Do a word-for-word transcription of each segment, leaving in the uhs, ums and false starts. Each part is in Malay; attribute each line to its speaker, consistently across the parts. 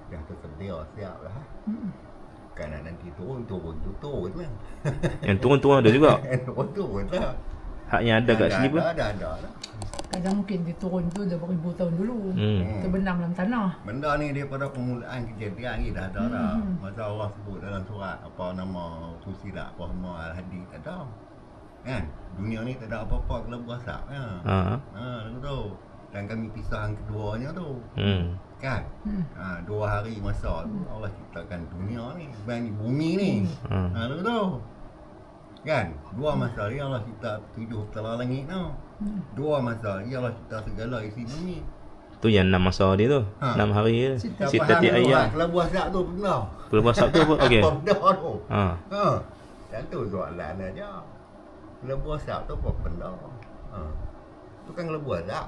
Speaker 1: Dah tersedia siap lah.
Speaker 2: Hmm.
Speaker 1: Kan nanti turun-turun tu turun lah.
Speaker 3: Yang turun-turun ada juga.
Speaker 1: Turun-turun lah.
Speaker 3: Hak yang ada kat sini pun.
Speaker 1: Ada, ada, ada lah.
Speaker 2: Kadang mungkin dia turun tu dah beribu tahun dulu.
Speaker 3: Hmm.
Speaker 2: Terbenam dalam tanah.
Speaker 1: Benda ni daripada permulaan kejadian ni dah ada dah.
Speaker 2: Hmm.
Speaker 1: Masa orang sebut dalam surat apa nama Fusilat apa semua Al-Hadi tak ada. Kan? Dunia ni tak ada apa-apa kelebu asap kan.
Speaker 3: Ha.
Speaker 1: Ha, lagu tu. Dan kami pisah yang keduanya tu.
Speaker 3: Hmm.
Speaker 1: Kan?
Speaker 2: Hmm.
Speaker 1: Ha, dua hari masa tu Allah ciptakan dunia ni, bukan ni bumi ni.
Speaker 3: Hmm.
Speaker 1: Ha, lagu tu. Kan? Dua masa dia Allah cipta tujuh petala langit tu.
Speaker 2: Hmm.
Speaker 1: Dua masa dia Allah cipta segala isi bumi.
Speaker 3: Tu yang enam masa dia tu.
Speaker 1: Ha.
Speaker 3: enam hari dia.
Speaker 2: Sita
Speaker 1: Tak
Speaker 3: Sitati
Speaker 1: faham tu,
Speaker 3: ayam.
Speaker 1: ha, kelebu asap tu benda.
Speaker 3: Kelebu asap tu apa? Okey.
Speaker 1: Apa benda tu?
Speaker 3: Ha.
Speaker 1: Ha. Dan tu soalan aja. Kelebu asap tu apa benda? Ha. Tu kan kelebu asap.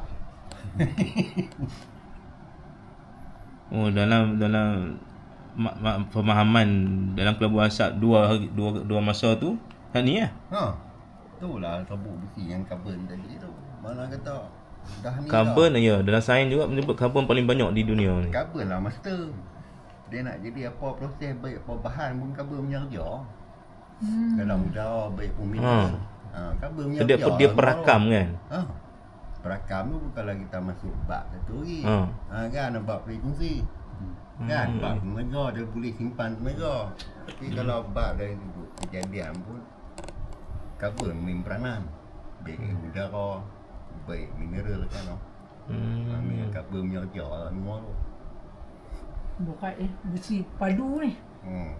Speaker 3: Oh, dalam dalam mak, mak, pemahaman dalam kelebu asap dua hari- dua dua masa tu, hak ni lah.
Speaker 1: Ha. Itulah sabuk besi yang karbon tadi tu. Mana kata dah ni
Speaker 3: Karbon ya, dalam sains juga menyebut karbon paling banyak di dunia ni.
Speaker 1: dah. Karbon lah master. Dia nak jadi apa proses baik apa bahan pun karbon punya kerja.
Speaker 2: Hmm.
Speaker 1: Dalam udara baik pun
Speaker 3: Ha.
Speaker 1: mineral. Ha, karbon punya
Speaker 3: So, dia
Speaker 1: kerja.
Speaker 3: dia perakam kan.
Speaker 1: Ha. Perakam tu kalau kita masuk bab satu lagi.
Speaker 3: Ha.
Speaker 1: Ha kan bab frekuensi. Kan
Speaker 3: Hmm.
Speaker 1: bab tenaga dia boleh simpan tenaga. Tapi kalau bab dari sudut kejadian pun karbon main peranan. Baik udara, baik mineral kan.
Speaker 3: Hmm.
Speaker 1: Ambil karbon punya kerja lah semua tu.
Speaker 2: Bukan eh besi padu ni.
Speaker 1: Hmm.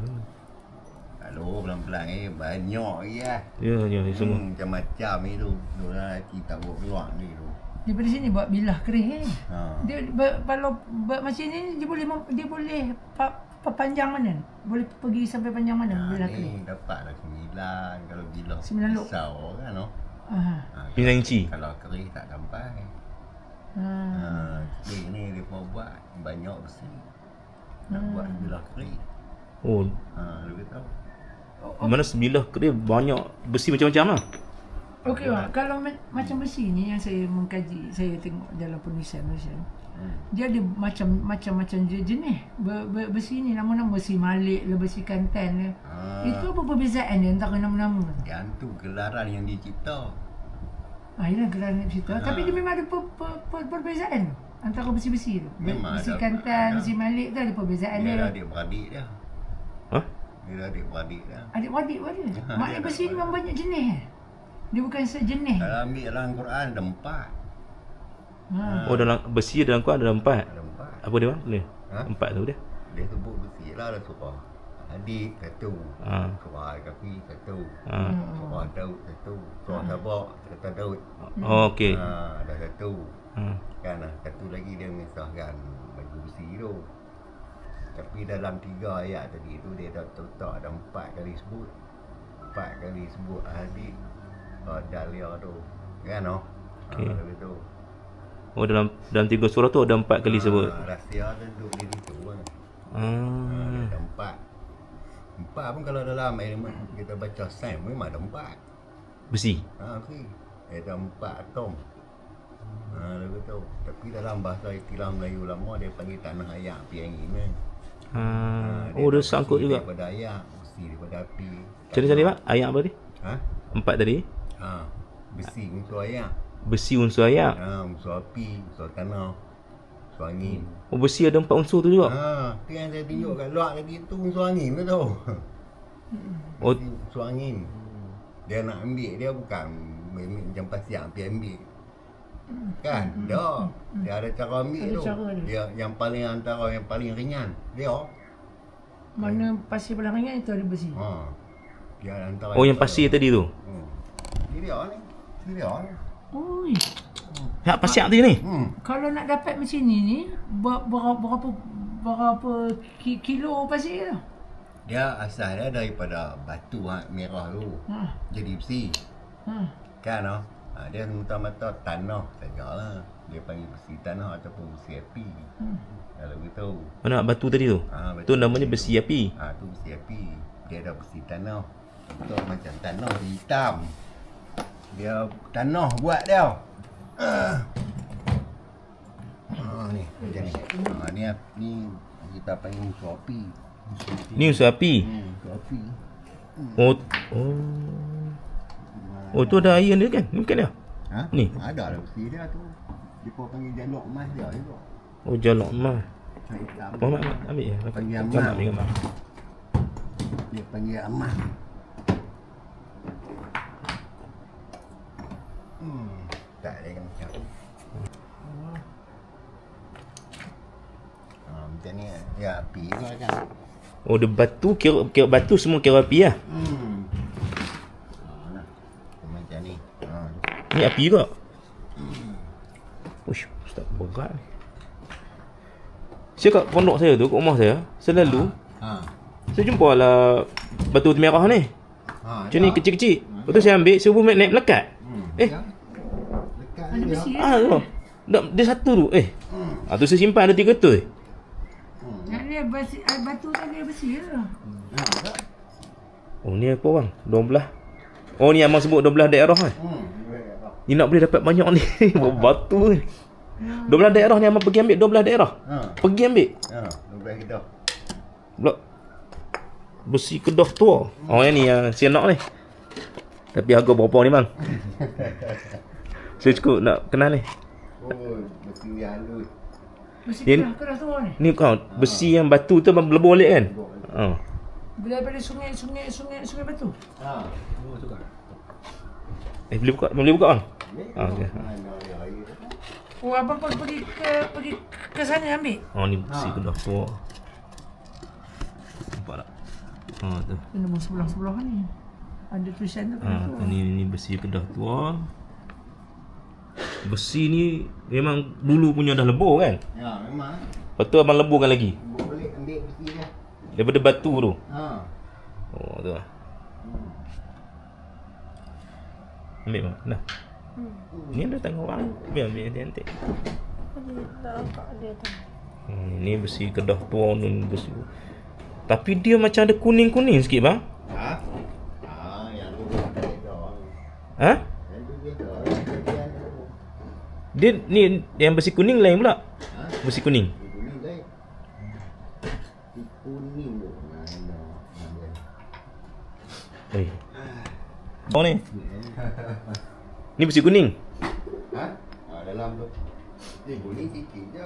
Speaker 1: Aduh, pelan-pelan eh. Banyak lagi lah.
Speaker 3: Ya, ya, semua.
Speaker 1: Hmm, macam-macam ni tu. Diorang lelaki tak buat keluar ni tu.
Speaker 2: Daripada sini buat bilah kerih eh.
Speaker 1: Ha.
Speaker 2: Dia ber, kalau buat macam ni dia boleh mem- dia boleh pa, pa, panjang mana? Boleh pergi sampai panjang mana
Speaker 1: Ha,
Speaker 2: bilah kerih?
Speaker 1: ni dapatlah sembilan. Kalau bila
Speaker 2: Sembilan luk.
Speaker 1: pisau kan no.
Speaker 2: Ah.
Speaker 1: Ha,
Speaker 3: Sembilan inci.
Speaker 1: Kalau kerih tak sampai.
Speaker 2: Ha.
Speaker 1: Ha, kerih ni dia pun buat banyak besi. Nak buat bilah kerih.
Speaker 3: Oh,
Speaker 1: Ha, lu tahu.
Speaker 2: Oh,
Speaker 3: mana sebilah kerja banyak besi macam-macam lah.
Speaker 2: Okey Mak, kalau ma- macam besi ni yang saya mengkaji, saya tengok dalam penulisan Malaysia.
Speaker 1: Hmm.
Speaker 2: Dia ada macam macam-macam je- jenis ber, ber, besi ni, nama-nama besi malik lah, besi kantan lah.
Speaker 1: Ha,
Speaker 2: Itu apa perbezaan dia antara nama-nama tu?
Speaker 1: yang tu gelaran yang dicipta.
Speaker 2: Ah, ialah gelaran cerita.
Speaker 1: Ha.
Speaker 2: Tapi dia memang ada per, per, per, perbezaan tu antara besi-besi tu. Be-
Speaker 1: Memang
Speaker 2: besi
Speaker 1: ada.
Speaker 2: kantan,
Speaker 1: Ada.
Speaker 2: besi malik tu ada perbezaan
Speaker 1: Dia
Speaker 2: dia.
Speaker 1: dah adik-beradik dia.
Speaker 3: Hah?
Speaker 1: Dia dah adik-beradik dia.
Speaker 2: Adik-beradik pun ada.
Speaker 1: Ha,
Speaker 2: Maknanya
Speaker 1: dia
Speaker 2: besi
Speaker 1: ada.
Speaker 2: ni memang banyak jenis eh. Dia bukan sejenis.
Speaker 1: Kalau ambil dalam Quran ada empat.
Speaker 2: Ha.
Speaker 3: Oh, dalam besi dalam Quran ada empat.
Speaker 1: Ada empat.
Speaker 3: Apa dia bang? Ni.
Speaker 1: Ha?
Speaker 3: Empat tu dia.
Speaker 1: Dia sebut besi lah ada surah Adik satu.
Speaker 3: Ha.
Speaker 1: Surah Al-Kahfi satu.
Speaker 3: Ha.
Speaker 1: Surah Daud satu. Surah Sabah kata Daud.
Speaker 3: Oh, okey.
Speaker 1: Ha, ada satu.
Speaker 3: Ha.
Speaker 1: Kan ah, satu lagi dia mengisahkan baju besi tu. Tapi dalam tiga ayat tadi tu dia dah letak ada empat kali sebut. Empat kali sebut Adik. Uh, Dahlia tu. Kan oh?
Speaker 3: Okey.
Speaker 1: Ha, begitu.
Speaker 3: Oh, dalam dalam tiga surah tu ada empat kali sebut.
Speaker 1: Ha, rahsia tu duduk di situ kan. Ha,
Speaker 3: Ah.
Speaker 1: dia ada empat. Empat pun kalau dalam elemen kita baca sains memang ada empat.
Speaker 3: Besi.
Speaker 1: Ha, okey. Ada empat atom. Ha, dia betul. Tapi dalam bahasa istilah Melayu lama dia panggil tanah ayak api angin kan.
Speaker 3: Ha.
Speaker 1: Ha,
Speaker 3: Oh, dia
Speaker 1: ada
Speaker 3: sangkut
Speaker 1: besi
Speaker 3: juga.
Speaker 1: Daripada ayak, besi daripada api.
Speaker 3: Macam mana tadi, Mak? Ayat apa tadi?
Speaker 1: Ha?
Speaker 3: Empat tadi.
Speaker 1: Ha, besi unsur ayak.
Speaker 3: Besi unsur ayak.
Speaker 1: Ha, unsur api, unsur tanah, unsur angin.
Speaker 3: Oh, besi ada empat unsur tu juga.
Speaker 1: Ha, tu yang saya tunjuk kat luar tadi tu unsur angin tu tu.
Speaker 3: Oh,
Speaker 1: Besi unsur angin. Dia nak ambil dia bukan ambil macam pasir pergi ambil. Kan? Dah. Dia ada cara ambil
Speaker 2: Ada
Speaker 1: tu.
Speaker 2: cara dia.
Speaker 1: Dia yang paling antara yang paling ringan. Dia.
Speaker 2: Mana pasir belah ringan itu ada besi.
Speaker 1: Ha. Dia antara
Speaker 3: oh yang pasir tadi tu.
Speaker 1: Hmm. Ni dia ni. Ni dia ni.
Speaker 2: Oi,
Speaker 3: Hak pasir tadi ni.
Speaker 1: Hmm.
Speaker 2: kalau nak dapat macam ni ni ber- berapa berapa berapa ki- kilo pasir tu?
Speaker 1: Dia asal dia daripada batu ha, merah tu.
Speaker 2: Ha.
Speaker 1: Jadi besi.
Speaker 2: Ha.
Speaker 1: Kan oh? Ha, dia semata-mata tanah sajalah. Dia panggil besi tanah ataupun besi api.
Speaker 2: Hmm.
Speaker 1: Kalau begitu.
Speaker 3: Mana batu tadi tu?
Speaker 1: Ha,
Speaker 3: Tu namanya besi api.
Speaker 1: Ha, tu besi api. Dia ada besi tanah. Betul macam tanah hitam. Dia tanah buat dia. Ha, ni macam ni. Ha, ni ni Kita panggil musuh api.
Speaker 3: Ni usaha api.
Speaker 1: Hmm, musuh api.
Speaker 3: Oh. Oh. Oh tu ada air dia kan? Ni bukan dia.
Speaker 1: Ha?
Speaker 3: Ni.
Speaker 1: Ada lah besi dia tu. Dia panggil jalok emas dia juga.
Speaker 3: Oh jalok emas.
Speaker 1: Macam hitam.
Speaker 3: Muhammad ambil ya.
Speaker 1: Panggil
Speaker 3: Gambar,
Speaker 1: emas.
Speaker 3: ambil gambar.
Speaker 1: Dia panggil emas. Hmm, tak ada yang macam. Ha, macam ni ya api tu lah kan.
Speaker 3: Oh dia batu kira, kira batu semua kira api lah.
Speaker 1: Hmm. Ha, nah. Macam ni. Ha.
Speaker 3: Ni api juga. Uish, ustaz berat ni. Saya kat pondok saya tu, kat rumah saya, selalu
Speaker 1: Ha.
Speaker 3: saya jumpa lah batu merah ni.
Speaker 1: Ha.
Speaker 3: Macam ni kecil-kecil. Lepas tu saya ambil, saya pun naik melekat.
Speaker 1: Hmm.
Speaker 3: Eh.
Speaker 1: Ya. Dekat
Speaker 2: Ada
Speaker 1: ni dia.
Speaker 2: besi
Speaker 3: Ah tu. Dah, dia satu tu. Eh.
Speaker 1: Hmm.
Speaker 3: Ah tu saya simpan ada tiga tu.
Speaker 1: Hmm.
Speaker 2: Yang dia besi, ah, batu tadi dia besi lah.
Speaker 1: Ha, tak?
Speaker 3: Oh ni apa bang? dua belas. Oh ni abang sebut dua belas daerah kan?
Speaker 1: Hmm.
Speaker 3: Ni nak boleh dapat banyak ni. Batu ni. dua belas daerah ni abang pergi ambil dua belas daerah.
Speaker 1: Ha.
Speaker 3: Pergi ambil.
Speaker 1: Ha, dua belas kita.
Speaker 3: Blok. Besi kedah tua. Oh yang ni yang saya nak ni. Tapi harga berapa ni bang? Saya cukup nak kenal ni.
Speaker 1: Oh, besi yang halus.
Speaker 2: Besi
Speaker 3: Dia-
Speaker 2: kerah, kerah tua ni.
Speaker 3: Ni kau besi yang batu tu abang lebur balik kan? Ha.
Speaker 2: Bila daripada sungai, sungai, sungai, sungai batu.
Speaker 1: Ha, tu suka.
Speaker 3: Eh boleh buka, boleh buka bang? Ah, okey.
Speaker 2: Oh, abang pun pergi ke pergi ke sana ambil.
Speaker 3: Oh ni besi
Speaker 1: Ha.
Speaker 3: kedah tua. Nampak tak? Ha tu.
Speaker 2: Ini nombor sebelah-sebelah ni. Ada tulisan tu
Speaker 3: Ha,
Speaker 2: kerah tua.
Speaker 3: ni ni besi kedah tua. Besi ni memang dulu punya dah lebur kan?
Speaker 1: Ya, memang.
Speaker 3: Lepas tu abang leburkan lagi.
Speaker 1: Boleh ambil besi dia.
Speaker 3: Daripada batu tu.
Speaker 1: Ha.
Speaker 3: Oh tu lah.
Speaker 1: Hmm.
Speaker 3: Ambil bang. Dah. Ni ada tengok orang. Biar ambil nanti.
Speaker 4: Tak nampak dia tu.
Speaker 3: Hmm, ni besi kedah tua ni besi. Tapi dia macam ada kuning-kuning sikit bang.
Speaker 1: Ha? Ha, yang tu dia tak ada.
Speaker 3: Ha?
Speaker 1: Yang tu dia tak ada.
Speaker 3: Dia ni yang besi kuning lain pula.
Speaker 1: Ha?
Speaker 3: Besi kuning.
Speaker 1: Kuning lain. Si kuning tu. Nah, nah, nah.
Speaker 3: Eh. Oh ni. Ni besi kuning.
Speaker 1: Ha? Ha, dalam tu. Eh, kuning sikit je.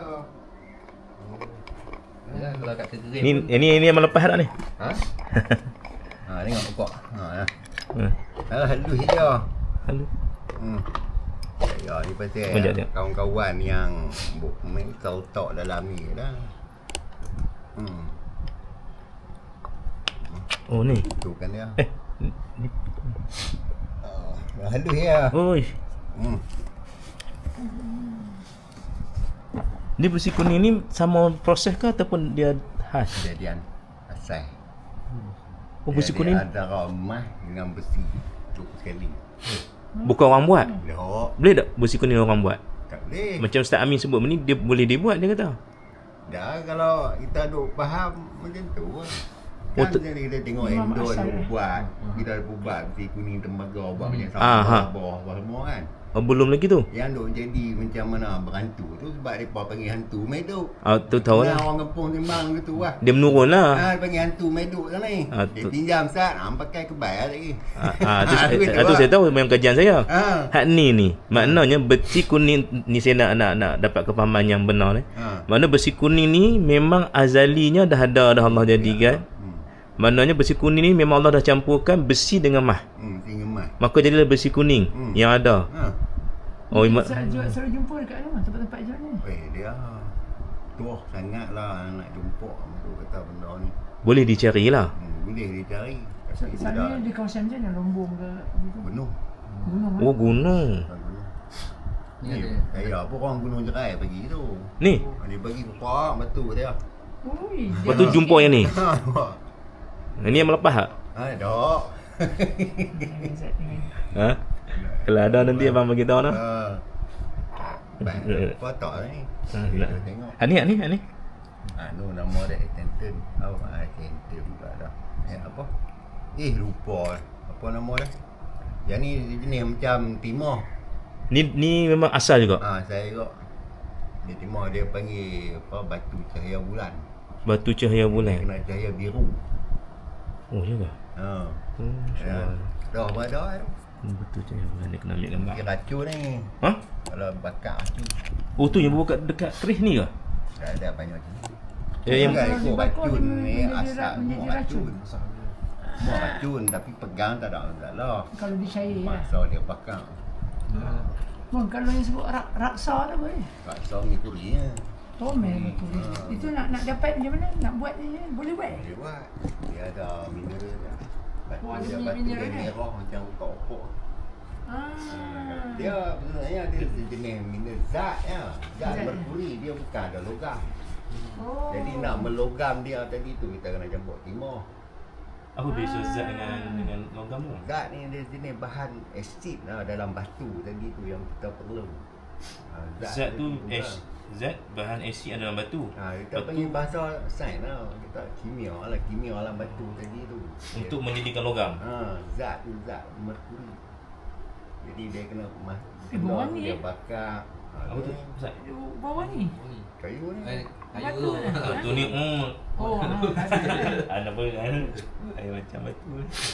Speaker 1: Ya, kalau kat kering.
Speaker 3: Ni ni ni yang lepas tak ni?
Speaker 1: Ha? Ha, tengok pokok. Ha, ya.
Speaker 3: Hmm.
Speaker 1: Ah, halus je.
Speaker 3: Halo.
Speaker 1: Hmm. Ya, ni pasal
Speaker 3: Sekejap, sekejap.
Speaker 1: kawan-kawan yang buk main talk dalam ni dah. Hmm.
Speaker 3: Oh ni.
Speaker 1: Tu kan dia.
Speaker 3: Eh. Ni.
Speaker 1: Oh, halus ya.
Speaker 3: Oi.
Speaker 1: Hmm.
Speaker 3: Ni besi kuning ni sama proses ke ataupun dia khas?
Speaker 1: Kejadian asal.
Speaker 3: Oh besi
Speaker 1: Dia-
Speaker 3: kuning.
Speaker 1: dia Antara emas dengan besi. Cukup sekali.
Speaker 3: Bukan orang buat.
Speaker 1: Dok.
Speaker 3: Boleh tak besi kuning orang buat?
Speaker 1: Tak boleh.
Speaker 3: Macam Ustaz Amin sebut ni dia boleh dibuat dia kata.
Speaker 1: Dah kalau kita duk faham macam tu lah.
Speaker 3: Oh,
Speaker 1: Kan
Speaker 3: tu-
Speaker 1: jadi kita tengok
Speaker 2: Memang
Speaker 1: Endon
Speaker 2: asal
Speaker 1: duk
Speaker 2: dia.
Speaker 1: buat. Kita ada buat besi kuning tembaga buat macam
Speaker 3: Ah, ha.
Speaker 1: sama bawah bawah semua kan.
Speaker 3: Oh, belum lagi tu.
Speaker 1: Yang duk jadi macam mana berhantu tu sebab depa panggil hantu meduk.
Speaker 3: Ah tu tahu
Speaker 1: Nah,
Speaker 3: lah.
Speaker 1: orang kampung timbang gitu lah.
Speaker 3: Dia menurun lah.
Speaker 1: Ah, dia panggil hantu meduk sana ni.
Speaker 3: Ah,
Speaker 1: Dia
Speaker 3: tu-
Speaker 1: pinjam sat, ah, pakai kebal lagi.
Speaker 3: Ah, ah tu,
Speaker 1: Ah,
Speaker 3: ah,
Speaker 1: gitu
Speaker 3: ah, tu
Speaker 1: lah.
Speaker 3: saya tahu memang kajian saya.
Speaker 1: Ah.
Speaker 3: Hak ni ni maknanya besi kuning ni saya nak nak nak dapat kefahaman yang benar ni.
Speaker 1: Ha.
Speaker 3: Mana besi kuning ni memang azalinya dah ada dah Allah jadikan.
Speaker 1: Hmm.
Speaker 3: Maknanya besi kuning ni memang Allah dah campurkan besi dengan mah.
Speaker 1: Hmm, tinggi emas.
Speaker 3: Maka jadilah besi kuning
Speaker 1: Hmm.
Speaker 3: yang ada.
Speaker 1: Ha.
Speaker 3: Oh, ima-
Speaker 2: Selalu jual, selalu jumpa dekat mana? Tempat-tempat jual ni.
Speaker 1: Eh, dia tuah sangatlah nak jumpa tu kata benda ni.
Speaker 3: boleh dicari lah.
Speaker 1: Hmm, boleh dicari.
Speaker 2: So,
Speaker 1: Tapi
Speaker 2: sana
Speaker 1: sudah
Speaker 2: di kawasan macam mana? Lombong ke? Gitu.
Speaker 1: penuh.
Speaker 2: Gunung
Speaker 3: Oh gunung.
Speaker 1: Bukan penuh. Ni saya apa orang Gunung Jerai pagi tu.
Speaker 3: Ni.
Speaker 1: Oh, dia bagi pokok batu dia.
Speaker 2: Ui,
Speaker 3: Lepas tu jumpa yang ni.
Speaker 1: Ha, nampak?
Speaker 3: Ini yang melepas tak?
Speaker 1: Ha, dok.
Speaker 3: Ha? Kalau ada nanti abang bagi tahu nah.
Speaker 1: Ha. Baik, foto ni.
Speaker 3: Ha,
Speaker 1: Kita
Speaker 3: nak.
Speaker 1: tengok.
Speaker 3: Ha ni, ha ni, ha ni.
Speaker 1: Ah, no, nama dia Attenton. Oh, Attenton pula dah. Eh, apa? Eh, lupa. Apa nama dia? Yang ni jenis macam timah.
Speaker 3: Ni ni memang asal juga.
Speaker 1: Ah, saya juga. Dia timah dia panggil apa batu cahaya bulan.
Speaker 3: Batu cahaya
Speaker 1: Dia
Speaker 3: bulan.
Speaker 1: kena cahaya biru.
Speaker 3: Oh, ya ke?
Speaker 1: Ha.
Speaker 3: Oh,
Speaker 1: Ya.
Speaker 3: insya-Allah.
Speaker 1: Dah pada tu.
Speaker 3: Hmm, Batu cahaya bulan dia kena ambil gambar.
Speaker 1: Dia racun ni.
Speaker 3: Ha?
Speaker 1: Kalau bakar racun.
Speaker 3: Oh, tu yang buat dekat keris ni ke?
Speaker 1: Dah ada banyak macam ni.
Speaker 3: Ya, yang
Speaker 1: Bukan
Speaker 2: Kalau
Speaker 1: ikut
Speaker 2: dibakar
Speaker 1: racun
Speaker 2: dia
Speaker 1: ni
Speaker 2: menjadi
Speaker 1: asal
Speaker 2: ra- menjadi
Speaker 1: semua
Speaker 2: racun.
Speaker 1: racun. Semua racun tapi pegang tak ada masalah.
Speaker 2: Kalau dicair lah.
Speaker 1: Masa dia bakar.
Speaker 2: Bang, kalau yang sebut rak, raksa tu boleh.
Speaker 1: Raksa ni kurinya.
Speaker 2: Tomel tu.
Speaker 1: Ah.
Speaker 2: Itu nak nak dapat macam mana? Nak buat je. Boleh buat.
Speaker 1: Dia buat. Dia ada mineral dia. Batu
Speaker 2: Oh, ada
Speaker 1: dia batu
Speaker 2: mineral
Speaker 1: dia
Speaker 2: dia?
Speaker 1: merah macam opok-opok.
Speaker 2: Ah.
Speaker 1: Dia sebenarnya dia jenis mineral zat ya. Zat
Speaker 2: Zat.
Speaker 1: merkuri dia bukan ada logam.
Speaker 2: Oh.
Speaker 1: Jadi nak melogam dia tadi tu kita kena campur timah.
Speaker 3: Apa beza zat dengan dengan logam tu?
Speaker 1: Zat ni dia jenis bahan asid lah dalam batu tadi tu yang kita perlu. Ha,
Speaker 3: Zat tu
Speaker 1: tadi
Speaker 3: as, zat bahan asid dalam batu.
Speaker 1: Ha, kita
Speaker 3: Batu
Speaker 1: panggil bahasa sains lah. Kita kimia lah, kimia dalam batu tadi tu.
Speaker 3: untuk mendidikkan logam.
Speaker 1: Ha, zat tu zat merkuri. Jadi dia kena mas
Speaker 2: Eh, bawah ni,
Speaker 1: dia
Speaker 2: eh.
Speaker 1: bakar. Ha,
Speaker 3: Apa tu?
Speaker 1: ni
Speaker 3: Zat.
Speaker 2: Bawah ni.
Speaker 1: kayu ni.
Speaker 5: Eh,
Speaker 2: Batu
Speaker 5: kayu
Speaker 2: lah.
Speaker 5: tu.
Speaker 3: Batu ni hmm.
Speaker 2: Oh, ah, batu.
Speaker 3: Ada apa kan? Air macam batu.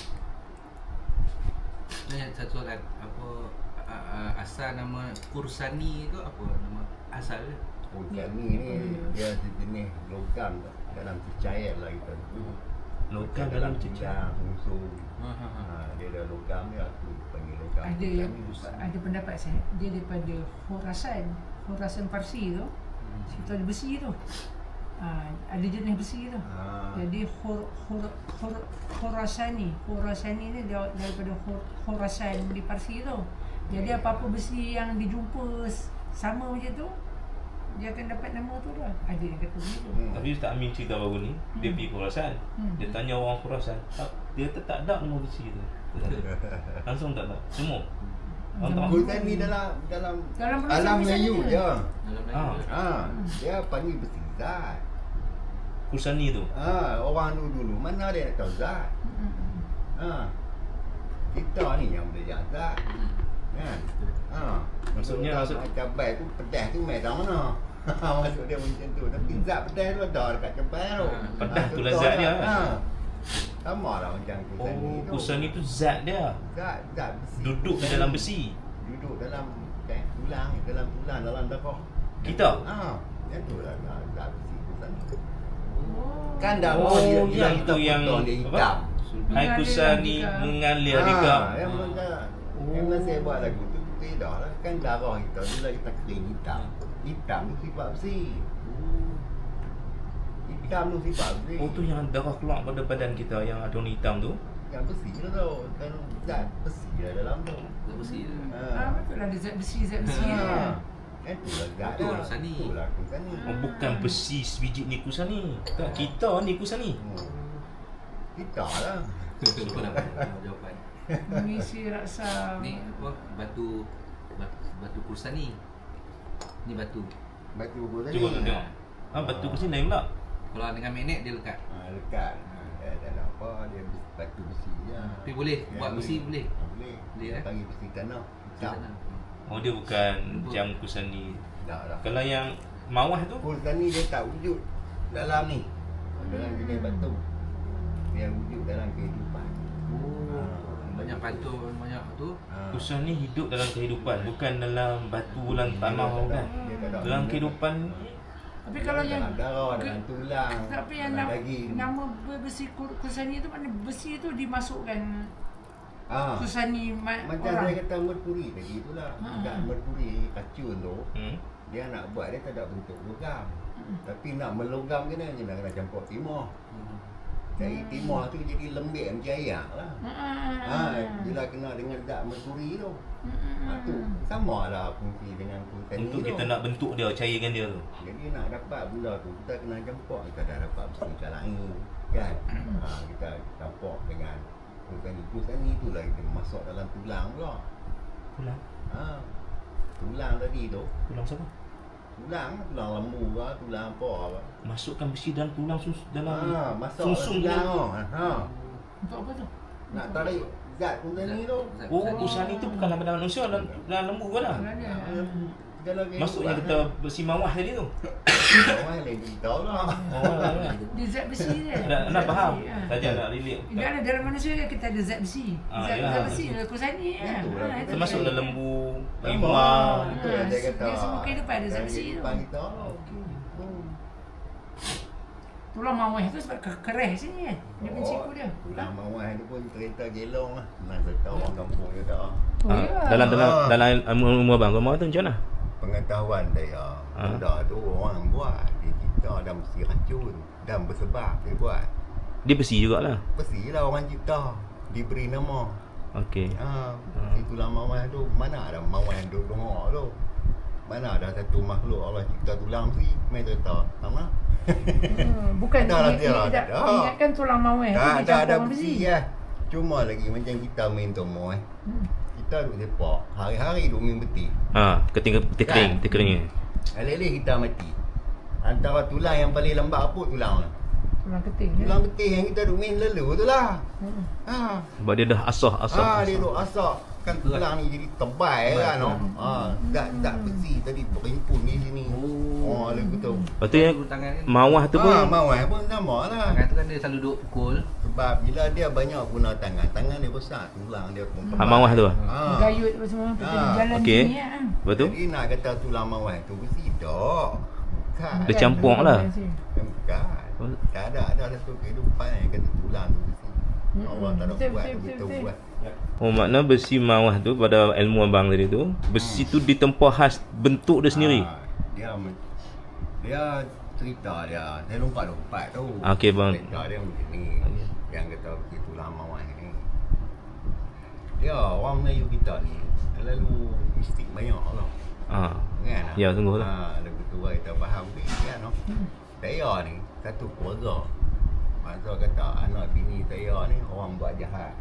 Speaker 5: Ni satu soalan, apa a- a- asal nama Kursani tu apa nama asal dia?
Speaker 1: Oh, ni ni dia sejenis logam dalam cecair lah kita.
Speaker 3: Logam
Speaker 1: dalam
Speaker 3: dalam cecair.
Speaker 1: cicak, unsur.
Speaker 5: Ha ha ha.
Speaker 1: Ha, dia ada logam dia aku panggil logam.
Speaker 2: Ada
Speaker 1: Logam
Speaker 2: yang
Speaker 1: ni besar.
Speaker 2: ada pendapat saya. Dia daripada Khurasan. Khurasan Parsi tu. Situ ada besi tu. Ah, ada jenis besi tu.
Speaker 1: Ha.
Speaker 2: Jadi Khur, Khur, Khur, Khurasani, Khurasani ni dia daripada Khur, Khurasan di Parsi tu. Jadi apa-apa besi yang dijumpa s- sama macam tu, dia akan dapat nama tu dah. Ada yang kata begitu.
Speaker 1: Hmm.
Speaker 3: Tapi Ustaz Amin cerita baru ni, dia
Speaker 2: Hmm.
Speaker 3: pergi Khurasan.
Speaker 2: Hmm.
Speaker 3: Dia tanya orang Khurasan, tak- dia tak tak ada nama besi tu. Dia tak ada. Langsung tak ada. Semua. Orang tak
Speaker 1: Khulkan ni dalam dalam
Speaker 2: Dalam bahasa
Speaker 1: alam
Speaker 2: Malaysia
Speaker 1: Melayu
Speaker 2: je.
Speaker 1: dia.
Speaker 5: Dalam
Speaker 3: Ah.
Speaker 5: Melayu.
Speaker 1: Ha, dia panggil besi zat.
Speaker 3: Kursani tu.
Speaker 1: Ha, orang dulu dulu mana dia nak tahu zat?
Speaker 2: Hmm.
Speaker 1: Ha. Kita ni yang belajar zat. Kan? Ha.
Speaker 3: Maksudnya-
Speaker 1: maksud
Speaker 3: maksud-
Speaker 1: cabai tu pedas tu mai dah mana? Maksud dia macam tu. Tapi zat pedas tu ada dekat cabai tu.
Speaker 5: Ha,
Speaker 3: pedas
Speaker 1: Ha,
Speaker 3: tu lah
Speaker 1: contoh
Speaker 3: zat dia.
Speaker 1: Ha. Sama lah macam kursani
Speaker 3: Oh,
Speaker 1: tu.
Speaker 3: Kursani tu zat dia.
Speaker 1: Zat, zat besi.
Speaker 3: Duduk di
Speaker 1: Kursani.
Speaker 3: dalam besi.
Speaker 1: Duduk dalam eh, tulang, dalam tulang, dalam darah.
Speaker 3: Kita?
Speaker 1: Ha. Yang tu lah zat, zat besi kursani.
Speaker 2: Oh.
Speaker 1: Kan dah
Speaker 3: Oh,
Speaker 1: dia,
Speaker 3: yang
Speaker 1: kita
Speaker 3: tu yang
Speaker 1: potong dia
Speaker 3: apa?
Speaker 1: hitam.
Speaker 5: Sulbi.
Speaker 3: Hai Kursani mengalir di
Speaker 1: Ha,
Speaker 3: kau.
Speaker 1: yang mana yang mana saya buat lagu tu tidak lah kan darah kita bila kita kering hitam. Hitam tu sifat besi. Hitam tu sifat besi.
Speaker 3: Oh tu yang darah keluar pada badan kita yang ada warna hitam tu.
Speaker 1: yang besi tu tau. Kan zat besi lah dalam tu.
Speaker 5: Tak bersih tu.
Speaker 2: Ah,
Speaker 1: Ha.
Speaker 2: betul lah ada zat besi, zat besi.
Speaker 1: Ha.
Speaker 2: Ha.
Speaker 1: Kan tu lah zat
Speaker 5: Betul,
Speaker 1: dah.
Speaker 5: Kursani.
Speaker 1: Tu lah Kursani.
Speaker 3: Oh, bukan besi sebiji ni Kursani. Tak, kita ni Kursani.
Speaker 1: Hmm. Kita lah.
Speaker 5: Lupa dah apa jawapan.
Speaker 2: Mengisi raksa.
Speaker 5: Ni apa batu batu, batu Kursani. Ni batu.
Speaker 1: Batu Kursani.
Speaker 3: Cuba tu tengok. Ah, batu Kursani lain pula.
Speaker 5: Kalau dengan magnet dia lekat.
Speaker 1: Ha, lekat. Ha, dia tak ada apa. Dia besi- batu besi je.
Speaker 5: Tapi boleh
Speaker 1: Yang
Speaker 5: buat
Speaker 1: ni.
Speaker 5: besi boleh.
Speaker 1: Ha, Boleh.
Speaker 5: Boleh,
Speaker 1: Dia
Speaker 5: eh?
Speaker 1: panggil besi tanah. Hitam.
Speaker 5: Sana.
Speaker 3: Oh dia bukan macam Kursani.
Speaker 1: Tak dah.
Speaker 3: Kalau yang mawah tu
Speaker 1: Kursani dia tak wujud dalam ni. Dalam jenis batu. Dia wujud dalam kehidupan.
Speaker 5: Oh, banyak pantun banyak tu.
Speaker 1: Ha.
Speaker 3: Kursani hidup dalam kehidupan, bukan dalam batu dalam
Speaker 1: Dia
Speaker 3: tanah
Speaker 1: tak ada-
Speaker 3: kan.
Speaker 1: dia tak ada.
Speaker 3: Dalam kehidupan
Speaker 2: Tapi kalau yang
Speaker 1: dalam darah,
Speaker 2: ke-
Speaker 1: dalam tulang,
Speaker 2: tapi yang
Speaker 1: dalam
Speaker 2: nama,
Speaker 1: daging.
Speaker 2: nama besi kur- Kursani tu mana besi tu dimasukkan
Speaker 1: Ah.
Speaker 2: Kursani ma-
Speaker 1: Macam
Speaker 2: orang.
Speaker 1: saya kata merkuri tadi itulah.
Speaker 2: Ha.
Speaker 1: Zat merkuri racun tu,
Speaker 3: hmm?
Speaker 1: dia nak buat dia tak ada bentuk logam.
Speaker 2: Hmm.
Speaker 1: Tapi nak melogam kena je nak kena campur timah.
Speaker 5: Hmm.
Speaker 1: Jadi timah tu jadi lembik macam air lah. Ha,
Speaker 2: Hmm.
Speaker 1: bila kena dengan zat merkuri tu.
Speaker 2: Hmm.
Speaker 1: Ha, tu sama lah fungsi dengan kursani
Speaker 3: Untuk
Speaker 1: tu.
Speaker 3: kita nak bentuk dia, cairkan dia tu.
Speaker 1: Jadi nak dapat benda tu kita kena campur, kita dah dapat besi macam lain kan. Ha, kita campur dengan kursani. Kursani tu lah kita masuk dalam tulang pula.
Speaker 3: Tulang.
Speaker 1: Ha. Tulang tadi tu,
Speaker 3: Tulang siapa?
Speaker 1: tulang, tulang lembu ke, tulang apa ke.
Speaker 3: Masukkan besi dalam tulang sus dalam
Speaker 1: Ha, masuk
Speaker 3: sumsum
Speaker 1: tulang
Speaker 3: tu.
Speaker 1: tu. Ha.
Speaker 2: Untuk apa tu?
Speaker 1: Nak tarik zat kursani tu.
Speaker 5: Zat
Speaker 3: Oh,
Speaker 5: Kursani.
Speaker 3: Kursani tu bukan dalam badan manusia, dalam, dalam lembu ke lah.
Speaker 2: Dalam dia.
Speaker 1: Ha, Kalau kita
Speaker 3: Maksudnya
Speaker 1: buat,
Speaker 3: kita besi mawah tadi tu.
Speaker 1: orang lain kita lah.
Speaker 3: Oh,
Speaker 2: Dia zat besi dia.
Speaker 3: nak nak faham.
Speaker 2: Ha.
Speaker 3: Saja nak relate.
Speaker 2: Dia ada dalam manusia kita ada zat besi.
Speaker 3: Ah,
Speaker 2: Zat,
Speaker 3: yalah.
Speaker 2: zat besi lah kursani kan.
Speaker 1: Itulah.
Speaker 2: Ha, itu
Speaker 3: Termasuk
Speaker 2: dia.
Speaker 3: dalam lembu,
Speaker 1: Memang.
Speaker 3: rimau.
Speaker 1: Itu yang saya kata.
Speaker 2: Dia semua kehidupan ada zat
Speaker 1: Dalam
Speaker 2: besi tu.
Speaker 1: kehidupan kita. Okey.
Speaker 2: Tulang mawah tu sebab ke- kereh sini kan. Dia
Speaker 1: Oh,
Speaker 2: menciku dia.
Speaker 1: Tulang mawar tu pun cerita gelong lah. Senang cerita orang kampung juga.
Speaker 2: Oh,
Speaker 3: Ah,
Speaker 2: ya.
Speaker 3: dalam dalam
Speaker 1: Ah.
Speaker 3: dalam ilmu abang kau mau tu macam mana?
Speaker 1: Pengetahuan saya.
Speaker 3: Ah.
Speaker 1: Benda tu orang buat. Dia kita dah mesti racun. Dan bersebab dia buat.
Speaker 3: Dia besi jugalah.
Speaker 1: Mestilah orang cipta. Diberi nama.
Speaker 3: Okey.
Speaker 1: Ha, si tulang mawar tu. Mana ada mawar yang duduk dengar tu. Mana ada satu makhluk Allah cipta tulang mesti. Main cerita. Sama?
Speaker 2: Hmm, bukan
Speaker 1: Ada lah
Speaker 2: dia,
Speaker 1: dia
Speaker 2: dia
Speaker 1: lah,
Speaker 2: tidak
Speaker 1: ada.
Speaker 2: ingatkan tulang mawar tu
Speaker 1: Tak
Speaker 2: dia
Speaker 1: ada
Speaker 2: campur
Speaker 1: ada
Speaker 2: dengan
Speaker 1: besi lah. Cuma lagi macam kita main tomo eh.
Speaker 2: Hmm.
Speaker 1: Kita duduk sepak. Hari-hari duduk main beti.
Speaker 3: Ha, keting keting kering,
Speaker 1: Kan?
Speaker 3: keting kering.
Speaker 1: Alih-alih kita mati. Antara tulang yang paling lambat apa tulang lah.
Speaker 2: Tulang keting. ya.
Speaker 1: Tulang betis yang kita duduk main lalu tu lah.
Speaker 2: Hmm.
Speaker 1: Ha.
Speaker 3: Sebab dia dah asah asah.
Speaker 1: Ha, dia duduk asak. Kan tulang ni jadi tebal kan no. Ha, tak tak besi tadi berimpun di sini. Oh, lagu tu.
Speaker 3: Lepas tu yang
Speaker 5: Dulu tangan kan.
Speaker 3: mawah tu pun
Speaker 1: Ha, mawar pun sama lah.
Speaker 5: Tangan tu kan dia selalu duk pukul.
Speaker 1: Sebab bila dia banyak guna tangan, tangan dia besar, tulang dia pun
Speaker 3: ha, mawah tu.
Speaker 1: Ha.
Speaker 2: Gayut apa semua
Speaker 1: Ah,
Speaker 2: kita jalan
Speaker 3: okey.
Speaker 2: sini kan.
Speaker 3: Lepas tu
Speaker 1: Jadi nak kata tulang mawar tu besi tak. Bukan.
Speaker 3: Dia campur lah.
Speaker 1: Bukan. Tak ada ada satu kehidupan yang kata tulang tu besi.
Speaker 2: Mm-mm.
Speaker 1: Allah tak ada
Speaker 2: Betul,
Speaker 1: buat
Speaker 2: betul,
Speaker 1: tu
Speaker 2: betul,
Speaker 1: kita
Speaker 2: betul.
Speaker 1: buat.
Speaker 3: Oh makna besi mawah tu pada ilmu abang tadi tu, besi tu ditempa khas bentuk dia sendiri.
Speaker 1: Ah, dia men- dia cerita dia. Saya lompat-lompat tu.
Speaker 3: Ah, okey, bang.
Speaker 1: Cerita dia macam ni. Yang kata besi tulang mawar ni. Dia orang Melayu kita ni lalu mistik banyak lah.
Speaker 3: Ha.
Speaker 1: Kan?
Speaker 3: Ya, sungguh lah.
Speaker 1: Ha, lebih tua kita faham ni kan. No? Saya ni satu keluarga. Masa kata anak bini saya ni orang buat jahat.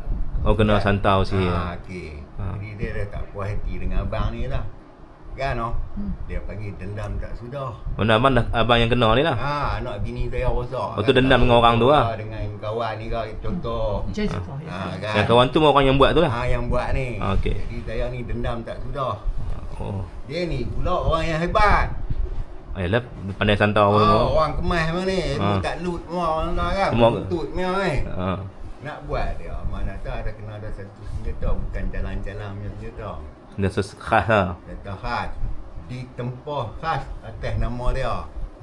Speaker 3: Oh kena santau sih.
Speaker 1: Ha, okey.
Speaker 3: Ha.
Speaker 1: Jadi dia dah tak puas hati dengan abang ni lah. Kan no?
Speaker 2: Hmm.
Speaker 1: Dia panggil dendam tak sudah.
Speaker 3: Oh nak abang dah abang yang kena ni lah.
Speaker 1: Ha, anak bini saya rosak.
Speaker 3: Oh, tu dendam dengan orang tu lah.
Speaker 1: Dengan kawan ni kan contoh.
Speaker 2: Macam tu.
Speaker 1: Ha, kan?
Speaker 3: Yang kawan tu orang yang buat tu lah.
Speaker 1: Ha, yang buat ni.
Speaker 3: Ah, okey.
Speaker 1: Jadi saya ni dendam tak sudah.
Speaker 3: Oh.
Speaker 1: Dia ni pula orang yang hebat.
Speaker 3: Ayolah pandai santau apa
Speaker 1: Oh,
Speaker 3: semua.
Speaker 1: orang kemas memang ni.
Speaker 3: Ha.
Speaker 1: Ha. Tak loot semua orang dah kan.
Speaker 3: Semua-
Speaker 1: Tuntut memang ni.
Speaker 3: Ha.
Speaker 1: Nak buat dia. Mana tak ada kena ada satu senjata. Bukan jalan-jalan punya senjata.
Speaker 3: Dia ses khas lah.
Speaker 1: Senjata khas. Ditempah khas atas nama dia.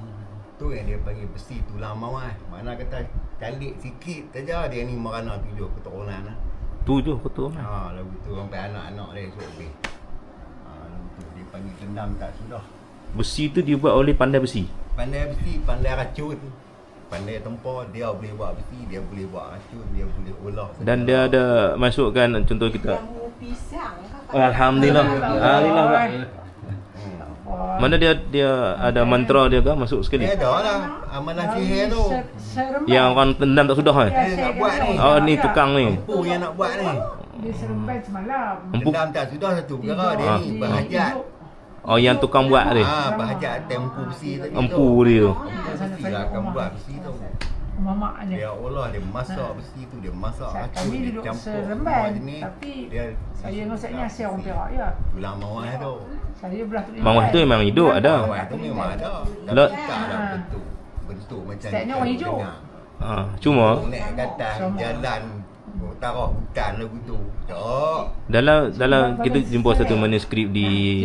Speaker 1: Tu yang dia panggil besi tulang mawar. Mana kata kalik sikit saja dia ni merana tujuh keturunan lah.
Speaker 3: Tu je betul lah.
Speaker 1: Ha, lagu tu sampai anak-anak dia esok habis. Ha, lagu tu dia panggil dendam tak sudah.
Speaker 3: Besi tu dibuat oleh pandai besi.
Speaker 1: Pandai besi, pandai racun. Pandai tempur, dia boleh buat besi, dia boleh buat racun, dia boleh olah.
Speaker 3: Dan dia ada masukkan contoh kita.
Speaker 4: Jamu pisang.
Speaker 3: Oh, Alhamdulillah. Alhamdulillah. Pak.
Speaker 1: Hmm.
Speaker 3: Mana dia dia ada mantra dia ke masuk sekali.
Speaker 1: Dia ada lah amalan sihir tu.
Speaker 2: Seremban.
Speaker 3: Yang orang tendam tak sudah kan.
Speaker 1: Eh, nak buat ni.
Speaker 3: Oh ni tukang ni.
Speaker 1: Empu yang nak buat ni.
Speaker 2: Dia seremban semalam.
Speaker 3: Empuk.
Speaker 1: Dendam tak sudah satu perkara dia
Speaker 3: Ah.
Speaker 1: ni berhajat.
Speaker 3: Oh yang tukang buat ni.
Speaker 1: Ha, berhajat tempu besi tadi tu.
Speaker 3: Empu dia tu.
Speaker 1: Empu besi lah akan buat besi tu.
Speaker 2: Mamak
Speaker 1: Dia
Speaker 2: dia.
Speaker 1: olah, dia masak besi tu, dia masak
Speaker 2: Saya-
Speaker 1: racun,
Speaker 2: Kami
Speaker 1: dia
Speaker 2: duduk
Speaker 1: campur semua
Speaker 2: seremban.
Speaker 1: jenis.
Speaker 2: Tapi
Speaker 1: Dia
Speaker 2: saya dengan saya ni asyik orang
Speaker 1: besi.
Speaker 2: Perak je.
Speaker 1: Tulang mawar tu.
Speaker 2: Saya belah tu.
Speaker 3: Mawar tu memang hidup ada.
Speaker 1: Mawar tu memang ada. Tapi
Speaker 3: Lot-
Speaker 1: tak ada
Speaker 2: Ah.
Speaker 1: bentuk. Bentuk macam
Speaker 2: Setnya
Speaker 1: kita
Speaker 2: orang hijau.
Speaker 1: dengar.
Speaker 3: Ha, cuma
Speaker 1: Naik ke atas
Speaker 2: Sama.
Speaker 1: jalan oh, tarah hutan lagu tu. Tak.
Speaker 3: dalam dalam kita jumpa satu manuskrip di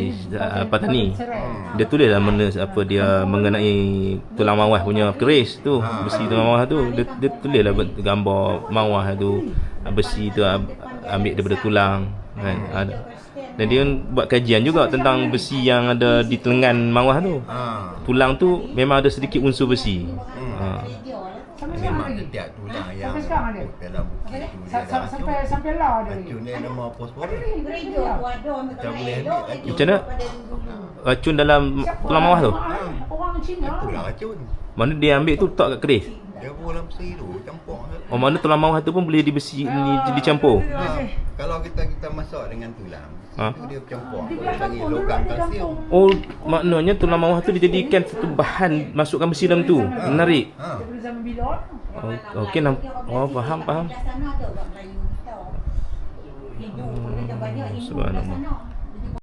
Speaker 3: uh, Patani. Dia tulis lah mana apa dia mengenai tulang mawar punya keris tu, besi tulang mawar tu. Dia, dia tulis lah bet- gambar mawar tu, besi tu am- ambil daripada tulang kan. Ada. Dan dia buat kajian juga tentang besi yang ada di telengan mawar tu.
Speaker 1: Ha.
Speaker 3: Tulang tu memang ada sedikit unsur besi. Ha.
Speaker 2: Sampai sekarang
Speaker 1: Memang
Speaker 2: lagi.
Speaker 1: setiap tulang yang
Speaker 2: Sampai sekarang ada.
Speaker 1: dalam bukit tu dia
Speaker 2: Sa-
Speaker 1: ada
Speaker 2: sa-
Speaker 1: racun.
Speaker 2: Sampai sampai lah ada lagi.
Speaker 1: Racun dia nama fosfor.
Speaker 4: Gereja tu ada orang
Speaker 1: Tak
Speaker 4: kena
Speaker 1: boleh
Speaker 4: elok
Speaker 1: ambil
Speaker 4: lagi
Speaker 3: Macam mana?
Speaker 4: daripada dulu-dulu.
Speaker 3: Racun dalam tulang mawar tu.
Speaker 2: Orang Cina.
Speaker 1: Itulah racun.
Speaker 3: Mana dia ambil tu letak kat keris.
Speaker 1: Dia pun dalam besi tu campur.
Speaker 3: Oh mana tulang mawar tu pun boleh dibesi ni dicampur.
Speaker 1: Ha. Kalau kita kita masak dengan tulang,
Speaker 3: Ha?
Speaker 1: itu dia campur.
Speaker 2: Di
Speaker 1: Dia
Speaker 2: belah
Speaker 1: panggil
Speaker 2: kampung dulu
Speaker 1: logam
Speaker 2: di
Speaker 1: kalsium.
Speaker 2: kampung.
Speaker 3: Oh maknanya tulang mawar tu dijadikan satu bahan masukkan besi dalam tu. Menarik.
Speaker 1: Ha.
Speaker 2: Daripada zaman bilon.
Speaker 3: Oh, okey nam. Oh faham faham.
Speaker 4: Belah sana ada orang Melayu kita. Hindu pun ada banyak Hindu belah
Speaker 3: subhanallah.
Speaker 4: sana.